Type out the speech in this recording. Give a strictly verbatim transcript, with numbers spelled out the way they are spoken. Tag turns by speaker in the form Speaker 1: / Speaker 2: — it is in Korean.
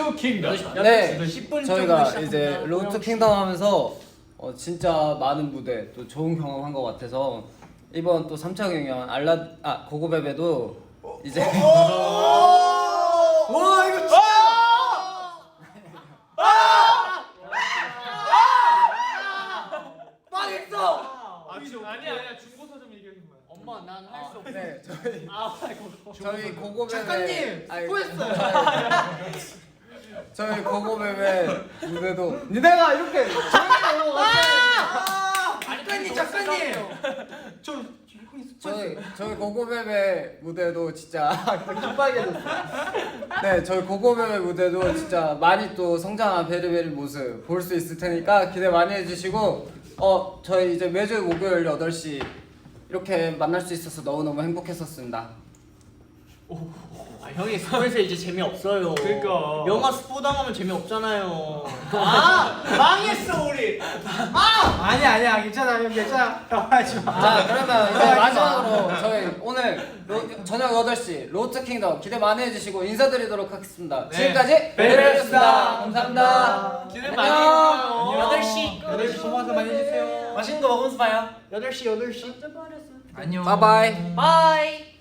Speaker 1: 투 킹덤.
Speaker 2: 네,
Speaker 3: 십 분
Speaker 2: 저희가 이제 로드 투 킹덤 하면서 어, 진짜 많은 무대 또 좋은 경험한 것 같아서 이번 또 삼 차 경연 알라 아 고고베베도 이제
Speaker 3: 와 이거 진짜 망했어.
Speaker 1: 아니야 아니야 중고서점 얘기하는 거야.
Speaker 4: 엄마 난 할 수 없어.
Speaker 2: 네 저희
Speaker 4: 아 이거.
Speaker 2: 저희 고고베베
Speaker 3: 작가님
Speaker 2: 아니,
Speaker 3: 수고했어요.
Speaker 2: 저희 고고베베 무대도 니네가 이렇게
Speaker 3: 작가님 작가님 저
Speaker 2: 저희 저희 고고베베 무대도 진짜 급하게졌어. 네, 저희 고고베베 무대도 진짜 많이 또 성장한 베리베리 모습 볼 수 있을 테니까 기대 많이 해주시고 어 저희 이제 매주 목요일 여덟 시 이렇게 만날 수 있어서 너무너무 행복했었습니다.
Speaker 4: 아 형이 스포에서 이제 재미 없어요.
Speaker 1: 그러니까.
Speaker 4: 영화 스포 당하면 재미 없잖아요. 아 망했어 우리.
Speaker 3: 아니야 아니야 괜찮아 형 괜찮아. 하지 마.
Speaker 2: 자 그러면 이제 마지막으로 저희 오늘 로, 저녁 여덟 시 로드 킹덤 기대 많이 해주시고 인사드리도록 하겠습니다.
Speaker 1: 네.
Speaker 2: 지금까지 베리베리였습니다. 감사합니다.
Speaker 1: 기대 많이
Speaker 2: 안녕.
Speaker 1: 해주세요.
Speaker 4: 여덟 시
Speaker 3: 여덟 시 소모서 많이 해주세요.
Speaker 1: 맛있는 거 먹으면서 봐요.
Speaker 4: 여덟 시 여덟 시.
Speaker 3: 안녕.
Speaker 2: 바이바이.
Speaker 4: 바이.